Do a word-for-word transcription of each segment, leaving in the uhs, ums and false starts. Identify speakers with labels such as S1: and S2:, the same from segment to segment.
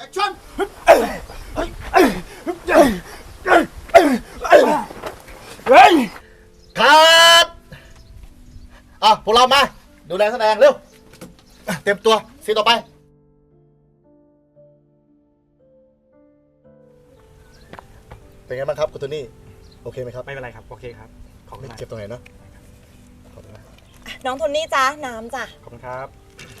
S1: คชั่นครับอ่ะพวกเรามาดูแลแสดงเร็วเตรียมตัวซีนต่อไปเป็นไงบ้างครับคุณโทนี่โอเคไหมครับ
S2: ไม่เป็นไรครับโอเคครับขอบคุณ
S1: ไม่
S2: มาก
S1: เจ็บตรงไหนเนาะขอบคุณมาก
S3: น้องโทนี่จ้าน้ำจ้ะ
S2: ขอบคุณครับ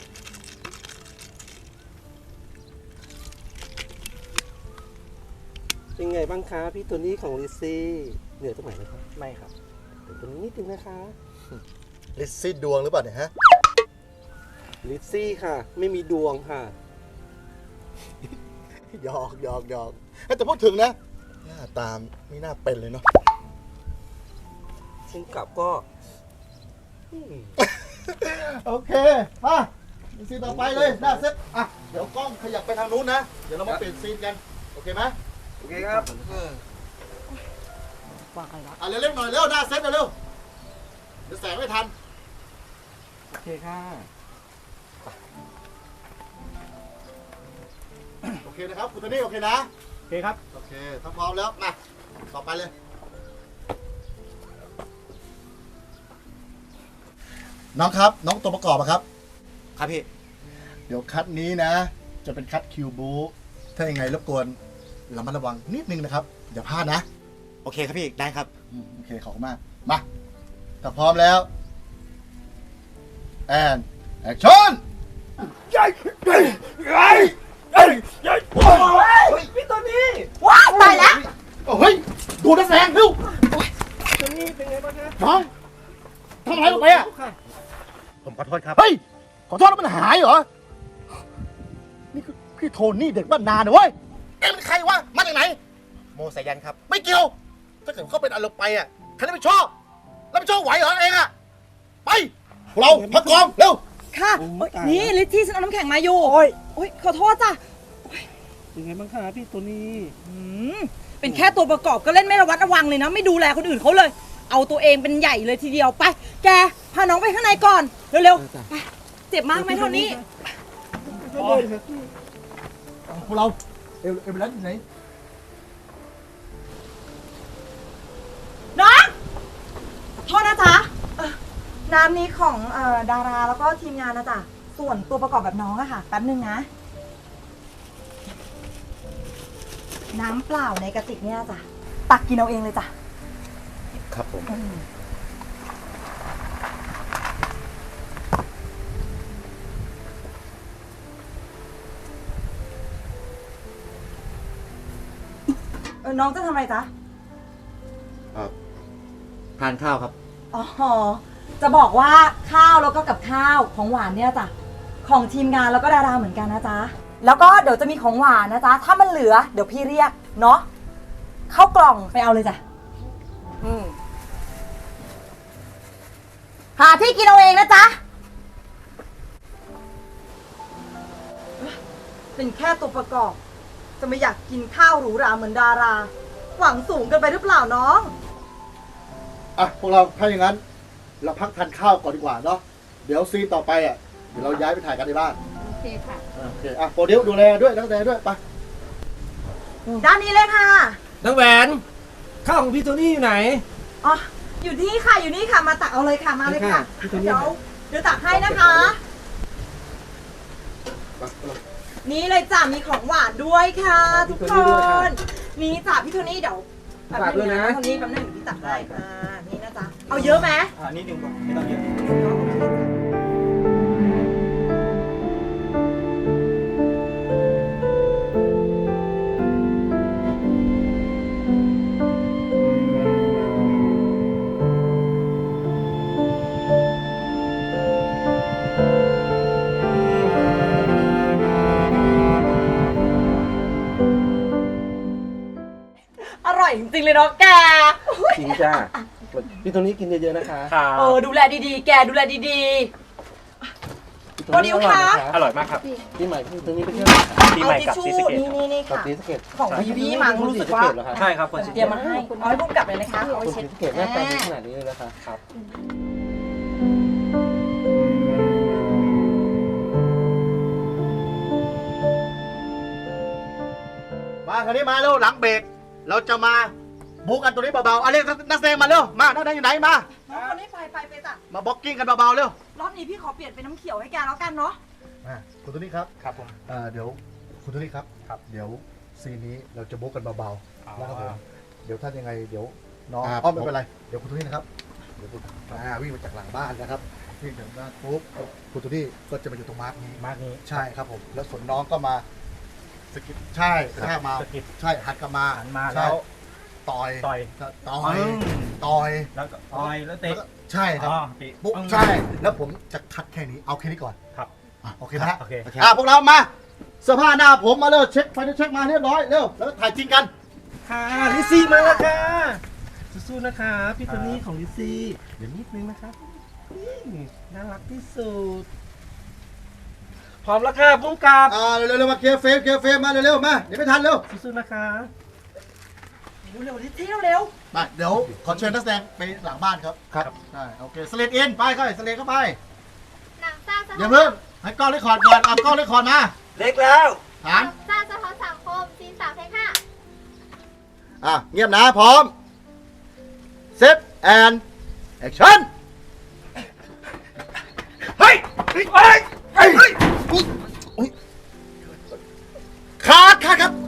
S4: เป็นไงบ้างคะพี่โทนี่ของลิซซี่เหนื่อยตรงไหนไหมครับ
S2: ไม่ครับ
S4: เดี๋ยวตรงนี้นิดนึงนะคะ
S1: ลิซซี่ดวงหรือเปล่าเนี่ยฮะ
S4: ลิซซี่ค่ะ ไม่มีดวงค่ะ
S1: หยอกหยอกหยอกแต่พูดถึงนะหน้าตามไม่น่าเป็นเลยเนาะ
S4: ซึ่งกลับก็อืม
S1: โอเคมาซีนต่อไปเลยหน้าเซ็ตอ่ะเดี๋ยวกล้องขยับไปทางนู้นนะเดี๋ยวเรามาเปลี่ยนซีนกันโอเคไหม
S4: โอเคครับ
S1: อ่ะเร็วๆหน่อยเร็วหน้าเซ็ตเร็วๆเดี๋ยวแสงไม่ทัน
S4: โอเคค่ะ
S1: โอเคนะครับคุณโทนี่โอเคนะ
S2: โอเคครับ
S1: โอเคถ้าพร้อมแล้วมาต่อไปเลยน้องครับน้องตัวประกอบอะครับ
S2: ครับพี่
S1: เดี๋ยวคัดนี้นะ จะเป็นคัดคิวบูถ้ายังไงรบกวนระมัดระวังนิดนึงนะครับอย่าพลาดนะ
S2: โอเคครับพี่ได้ครับ
S1: อืมโอเคขอบคุณมากมาถ้าพร้อมแล้วแอนแอคชั่นยัยยัยยัยยัยยัยโอ้ย
S4: พี่โทนี่
S3: ว้ายตายแล้ว
S1: โอ้ยดูนักแสดงเร็ว
S4: โทนี่เป็นไงบ้างคะ
S1: น้องทำอะไรลงไปอ่ะ
S4: ค่ะ
S2: ผมขอโทษครับ
S1: เฮ้ยขอโทษแล้วมันหายเหรอนี่คือพี่โทนี่เด็กบ้านนาเนี่ยเว้ยเอ็งเป็นใครวะมาจากไหน
S2: โมสายันครับ
S1: ไม่เกี่ยว ถ้าเกิดเขาเป็นอะไรไปอ่ะใครจะไม่ชอบ แล้วไม่ชอบไหวเหรอเองอ่ะ ไปพวกเราพักกองเร็ว
S3: ค่ะโอ๊ยนี่ลิซซี่ฉันเอาน้ำแข็งมาอยู่โอ้ยโอ้ยขอโทษจ้ะ
S4: เป็นไงบ้างคะพี่โทนี่
S3: อืมเป็นแค่ตัวประกอบก็เล่นไม่ระวัดระวังเลยนะไม่ดูแลคนอื่นเขาเลย เอาตัวเองเป็นใหญ่เลยทีเดียวไป แกพาน้องไปข้างในก่อนเร็วๆไปเจ็บมากไหมเท่านี้
S1: พวกเราเอลเอลเบลัสอยู่ไหน
S3: น้องโทษนะจ๊ะเอ่อน้ำนี้ของเอ่อดาราแล้วก็ทีมงานนะจ๊ะส่วนตัวประกอบแบบน้องอะค่ะแป๊บนึงนะ น้ำเปล่าในกระติกเนี่ยจ้ะตักกินเอาเองเลยจ้ะ
S1: ครับผม
S3: อืมเออน้องจะทำอะไรจ๊ะ
S2: ทานข้าวครับ
S3: อ๋อ จะบอกว่าข้าวแล้วก็กับข้าวของหวานเนี่ยจ้ะของทีมงานแล้วก็ดาราเหมือนกันนะจ๊ะแล้วก็เดี๋ยวจะมีของหวานนะจ๊ะถ้ามันเหลือเดี๋ยวพี่เรียกเนาะเข้ากล่องไปเอาเลยจ้ะอืมหาที่กินเอาเองนะจ๊ะเป็นแค่ตัวประกอบ จะไม่อยากกินข้าวหรูหราเหมือนดารา หวังสูงเกินไปหรือเปล่าน้อง
S1: อ่ะพวกเราถ้าอย่างนั้น เราพักทานข้าวก่อนดีกว่าเนาะ เดี๋ยวซีนต่อไปอ่ะ เดี๋ยวเราย้ายไปถ่ายกันในบ้าน
S3: โอเคค่ะ
S1: อ่ะโอเค อ่ะโปรดิวดูแลด้วยนักแสดงด้วยไป
S3: ด้านนี้เลยค่ะ
S4: น้องแหวนข้าวของพี่โทนี่อยู่ไหน
S3: อ๋อ อยู่นี่ค่ะ อยู่นี่ค่ะ มาตักเอาเลยค่ะ มาเลยค่ะ
S4: พี่โทนี่
S3: เดี๋ยว เดี๋ยวตักให้นะคะ นี่เลยจ้ะ มีของหวานด้วยค่ะ ทุกคน นี่จ้ะพี่โทนี่เดี๋ยวแป๊บนึงนะโทนี่แป๊บนึงเดี๋ยวพี่ตักให้อ่านี่นะจ๊ะ เอาเยอะไหม
S2: อ่านิดนึงก่อนไม่ต้องเยอะ
S3: อร่อยจริงๆเลยเนาะแก
S4: จริงจ้าพี่โทนี่กินเยอะๆนะคะ
S2: ครับ
S3: เออ ดูแลดีๆ แกดูแลดี
S4: พี่โทนี่อร่อยนะคะ
S2: อร่อยมากครับ
S4: พี่ใหม่พี่โทนี่ไปเที่ยว
S3: ๆ
S2: ปี
S3: เอา
S2: ใหม่
S3: ทิช
S2: กับ
S3: ชู่
S2: ซีสะเกต
S3: นี่นี่นี่
S4: กับ
S3: ค่ะ
S4: ศรีสะเกษ
S3: ของพี่พี่มั้งรู้สึกว่า
S4: เหรอคะ
S2: ใช่ครับคนซีสะ
S3: เต
S2: เก
S3: รีย
S2: ต
S3: มมาให้เอาให้พุ่มกลับเลยนะคะเอาไว้
S4: คน
S3: เช็
S4: ศรี
S3: ด
S4: สะเกษหน้าตาดีขนาดนี้เลยนะคะ
S2: ครับ
S1: อมาคราวนี้มาเร็วหลังเบรกเราจะมาบุกกันตัวนี้เบาๆเอาเรียกนักแสดงมาเร็วมานักแสดงอยู่ไหนมา
S3: น้องคนนี้ไปไปไปจ้ะ
S1: มาบ็อกกิ้งกันเบาๆเร็ว
S3: รอบนี้พี่ขอเปลี่ยนเป็นน้ำเขียวให้แกแล้วกันเนาะ
S1: อ่ะคุณตัวนี้ครับ
S2: ครับผม
S1: เอ่อเดี๋ยวคุณตัวนี้ครับ
S2: ครับ
S1: เดี๋ยวซีนนี้เราจะบุกกันเบา
S2: อ๋อ
S1: ๆนะครับผมเดี๋ยวถ้ายังไงเดี๋ยวน้อง
S2: ครับ
S1: อ้อมไม่เป็นไรเดี๋ยวคุณตัวนี้นะครับเดี๋ยวคุณอ่าวิ่งมาจากหลังบ้านนะครับวิ่งถึงบ้านปุ๊บคุณตัวนี้ก็จะมาอยู่ตรงมาร์กนี้
S2: มากนี้
S1: ใช่ครับผมแล้วส่วนน้องก็มาสกิดใช่กระแทกมา
S2: สกิด
S1: ใช่หันกลับมา
S2: หันมา
S1: ใช่
S2: แล้ว
S1: ต่อย
S2: ต่อย
S1: ต่อย
S2: อืม
S1: ต่อย
S2: แล้วก็ต่อยแล้วเตะ
S1: แล้วก็ใช่ครับ
S2: อ๋อเตะ
S1: ปุ๊บ
S2: ปึ้ง
S1: ใช่แล้วผมจะคัดแค่นี้เอาแค่นี้ก่อน
S2: ครับ
S1: อ่ะโอเคนะฮะ
S2: โอเค
S1: อ่ะพวกเรามาเสื้อผ้าหน้าผมมาเร็วเช็คไฟเช็คมาเรียบร้อยเร็วแล้วถ่ายจริงกัน
S4: ค่ะลิซซี่มาแล้วค่ะสู้ๆนะคะพี่โทนี่ของลิซซี่เดี๋ยวนิดนึงนะคะนี่น่ารักที่สุดพร้อมแล้วค่ะพุ่งกลับ
S1: อ่าเร็วๆมาเคลียร์เฟรมเคลียร์เฟรมมาเร็วๆมาเดี๋ยวไม่ทันเร็ว
S4: สู้ๆนะคะ
S3: เร็วๆที่เร็ว
S1: มาเดี๋ยวขอเชิญนักแสดงไปหลังบ้านครับ
S2: ครับ
S1: ใช่โอเคสเลดอินไปเข้าไปสเลดเข้าไป
S5: หนังซ่าสะ
S1: อ
S5: ท้
S1: ย่า
S5: อน
S1: เพิ่งให้กล้องเลคคอร์ดก่อนเอากล้องเลคคอร์ดมา
S4: เล็กแล้ว
S1: ถาม
S5: หนังซ่าสะท้อนสังคมซีนสามเทคห้า
S1: อ่ะเงียบนะพร้อมเซตแอนแอคชั่นเฮ้ยเฮ้ยเฮ้ยเฮ้ยอุ๊ยอุ๊ยขาดขาดครับ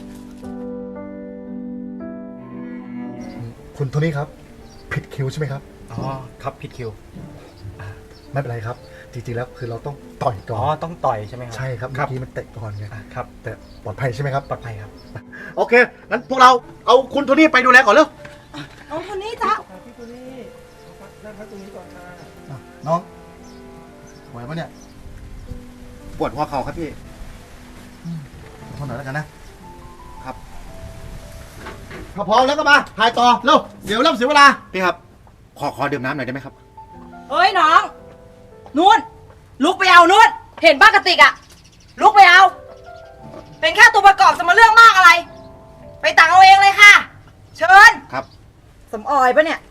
S1: คุณโทนี่ครับ ผิดคิวใช่ไหมครับ
S2: อ๋อครับผิดคิว
S1: ไม่เป็นไรครับ จริงๆแล้วคือเราต้องต่อยก่
S2: อ๋
S1: อ
S2: อน ต้องต่อยใช่ไหมครับ
S1: ใช่ครับ
S2: ครั
S1: เมื่อบ กี้มันเตะก่อนไง
S2: อ่ะครับ
S1: แต่ปลอดภัยใช่ไหมครับ
S2: ปลอดภัยครับ
S1: โอเค งั้นพวกเราเอาคุณโทนี่ไปดูแลก่อนเร็ว
S3: ๆน้องคนนี้จ้ะ
S4: พี่โทนี่นั่งพักตรงนี้ก่อนค่ะ
S1: อ่ะน้องไหวปะเนี่ย
S2: ปวดหัวเข่าครับพี่
S1: ทนหน่อยแล้วกันนะ ครับถ้าพร้อมแล้วก็มาถ่ายต่อเร็วเดี๋ยวเริ่มเสียเวลา
S2: พี่ครับ ขอขอดื่มน้ำหน่อยได้ไหมครับ
S3: เฮ้ยน้องนู่นลุกไปเอานู่นเห็นป้ากระติกอะลุกไปเอา เป็นแค่ตัวประกอบจะมาเรื่องมากอะไร ไปตักเอาเองเลยค่ะ เชิญ
S2: ครับ
S3: สมออยปะเนี่ย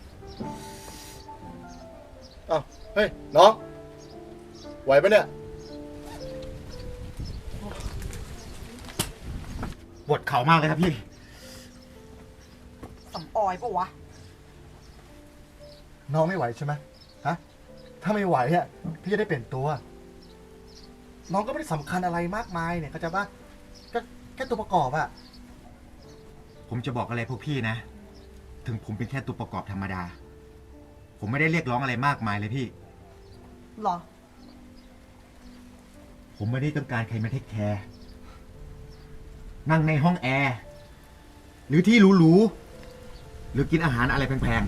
S1: เอ้าเฮ้ย น้อง ไหวปะเนี่ย
S2: ปวดเข่ามากเลยครับพี่
S3: สมออยปะวะ
S1: น้องไม่ไหวใช่ไหมฮะ ถ้าไม่ไหวอ่ะพี่จะได้เปลี่ยนตัว น้องก็ไม่ได้สำคัญอะไรมากมายเนี่ยเข้าใจปะก็แค่ตัวประกอบอะ
S6: ผมจะบอกอะไรพวกพี่นะ ถึงผมเป็นแค่ตัวประกอบธรรมดา ผมไม่ได้เรียกร้องอะไรมากมายเลยพี่
S3: หรอ
S6: ผมไม่ได้ต้องการใครมาเทคแคร์นั่งในห้องแอร์ หรือที่หรูๆ หรือกินอาหารอะไรแพง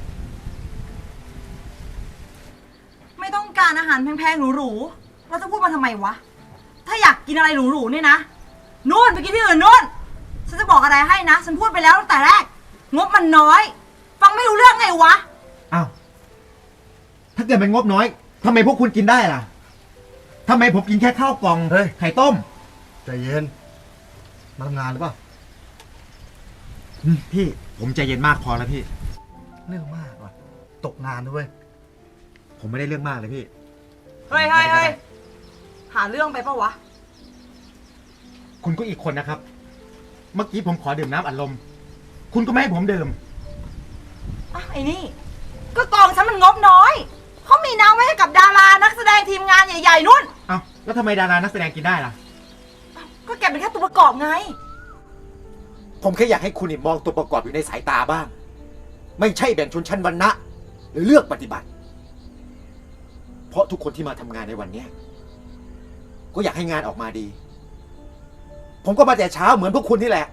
S3: ไม่ต้องการอาหารแพงๆหรูๆเราจะพูดมาทำไมวะ ถ้าอยากกินอะไรหรูๆเนี่ยนะ นู่นไปกินที่อื่นนู่น ฉันจะบอกอะไรให้นะ ฉันพูดไปแล้วตั้งแต่แรก งบมันน้อย ฟังไม่รู้เรื่องไงวะ
S6: ๆ อ้าว ถ้าเกิดเป็นงบน้อยทำไมพวกคุณกินได้ล่ะทำไมผมกินแค่ข้าวกล่อง
S1: เฮ้ย
S6: ไข่ต้ม
S1: ใจเย็น มาทำงานหรือเปล่า
S6: อืมพี่ ผมใจเย็นมากพอแล้วพี่
S1: เรื่องมากว่ะ ตกงานด้วย
S6: ผมไม่ได้เรื่องมากเลยพี่
S3: เฮ้ยเฮ้ยเฮ้ยหาเรื่องไปปะวะ
S6: คุณก็อีกคนนะครับ เมื่อกี้ผมขอดื่มน้ำอัดลม คุณก็ไม่ให้ผมดื่ม
S3: อ่ะไอ้นี่ ก็กองฉันมันงบน้อย เขามีน้ำไว้ให้กับดารานักแสดงทีมงานใหญ่ๆนู่น
S6: เอ้าแล้วทำไมดารานักแสดงกินได้ล่ะ
S3: ก็แกเป็นแค่ตัวประกอบไง
S2: ผมแค่อยากให้คุณนี่มองตัวประกอบอยู่ในสายตาบ้าง ไม่ใช่แบ่งชนชั้นวรรณะ หรือเลือกปฏิบัติ เพราะทุกคนที่มาทำงานในวันเนี้ยก็อยากให้งานออกมาดี ผมก็มาแต่เช้าเหมือนพวกคุณนี่แหละ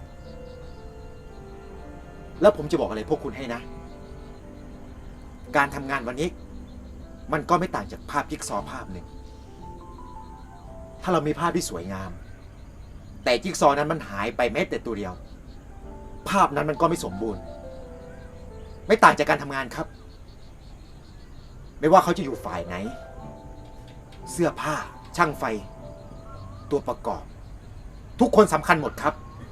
S2: แล้วผมจะบอกอะไรพวกคุณให้นะ การทำงานวันนี้ มันก็ไม่ต่างจากภาพจิ๊กซอว์ภาพหนึ่ง ถ้าเรามีภาพที่สวยงาม แต่จิ๊กซอว์นั้นมันหายไปแม้แต่ตัวเดียว ภาพนั้นมันก็ไม่สมบูรณ์ ไม่ต่างจากการทำงานครับ ไม่ว่าเขาจะอยู่ฝ่ายไหน เสื้อผ้า ช่างไฟ ตัวประกอบ ทุกคนสำคัญหมดครับ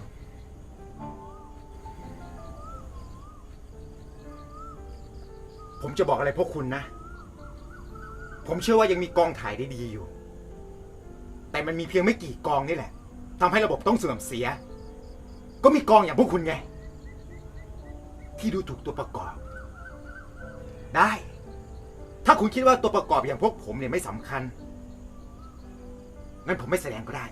S6: ผมจะบอกอะไรพวกคุณนะ ผมเชื่อว่ายังมีกองถ่ายได้ดีอยู่ แต่มันมีเพียงไม่กี่กองนี่แหละทำให้ระบบต้องเสื่อมเสีย
S2: ก็มีกองอย่างพวกคุณไง ที่ดูถูกตัวประกอบ ได้ ถ้าคุณคิดว่าตัวประกอบอย่างพวกผมเนี่ยไม่สำคัญ งั้นผมไม่แสดงก็ได้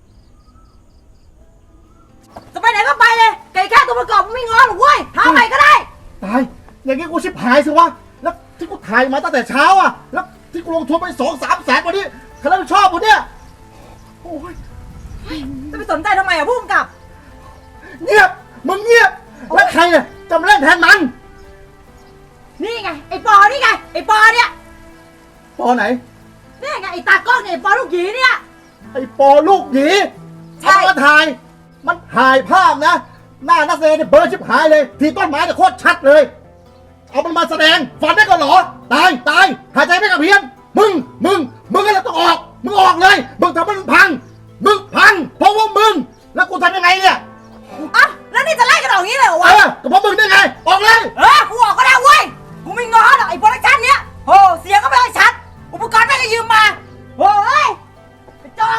S3: จะไปไหนก็ไปเลยไก่แค่ตัวประกอบมันไม่งอหรอกเว้ยหาใหม่ก็ได้
S1: ตายอย่างงี้กูชิบหายสิวะแล้วที่กูถ่ายมาตั้งแต่เช้าอ่ะแล้วที่กูลงทุนไปสองสามแสนกว่านี้ใครรับผิดชอบกูเนี่ยโอ้ย
S3: จะไปสนใจทำไมอ่ะผู้กำกับ
S1: เงียบมึงเงียบแล้วใครเนี่ยจะมาเล่นแทนมัน
S3: นี่ไงไอ้ปอนี่ไงไอ้ปอเนี่ย
S1: ปอไหน
S3: นี่ไงไอ้ตากล้องเนี่ยไอ้ปอลูกหยีเนี่ย
S1: ไอ้ปอลูกหยี
S3: ใช่
S1: เอามาถ่าย มันถ่ายภาพนะ หน้านักแสดงเนี่ยเบลอร์ชิบหายเลย ทีต้นไม้เนี่ยโคตรชัดเลย เอามันมาแสดงฝันได้ก็เหรอ ตายตายหายใจไม่กระเพี้ยน มึง มึง มึงก็เลยต้องออก มึงออกเลย มึงทำให้มันพัง มึงพัง เพราะว่ามึง แล้วกูทำยังไงเนี่ย
S3: อ่ะแล้วนี่จะไล่กันออกอย่างนี้เลยเหรอ
S1: เอ
S3: วะ
S1: อก็เพราะมึงได้ไง ออกเลย
S3: เออกูออกก็ได้เว้ยกูไม่งอหรอกไอ้โปรดักชั่นเนี้ยโอ้เสียงก็ไม่ค่อยชัดอุปกรณ์แม่งก็ยืมมาโอ้ยไอ้จอก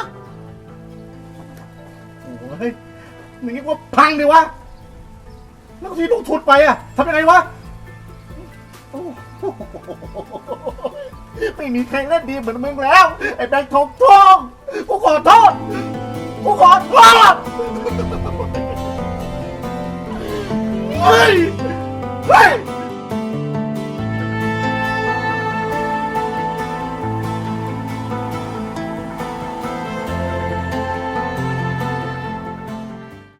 S1: โอ้ยมึงคิดว่าพังดิวะ แล้วทีลงทุนไปอะทำยังไงวะโอ้โหไม่มีใครเล่นดีเหมือนมึงแล้ว ไอ้แบงค์ทองทองกูขอโทษ กูขอโทษเฮ้ย เฮ้ย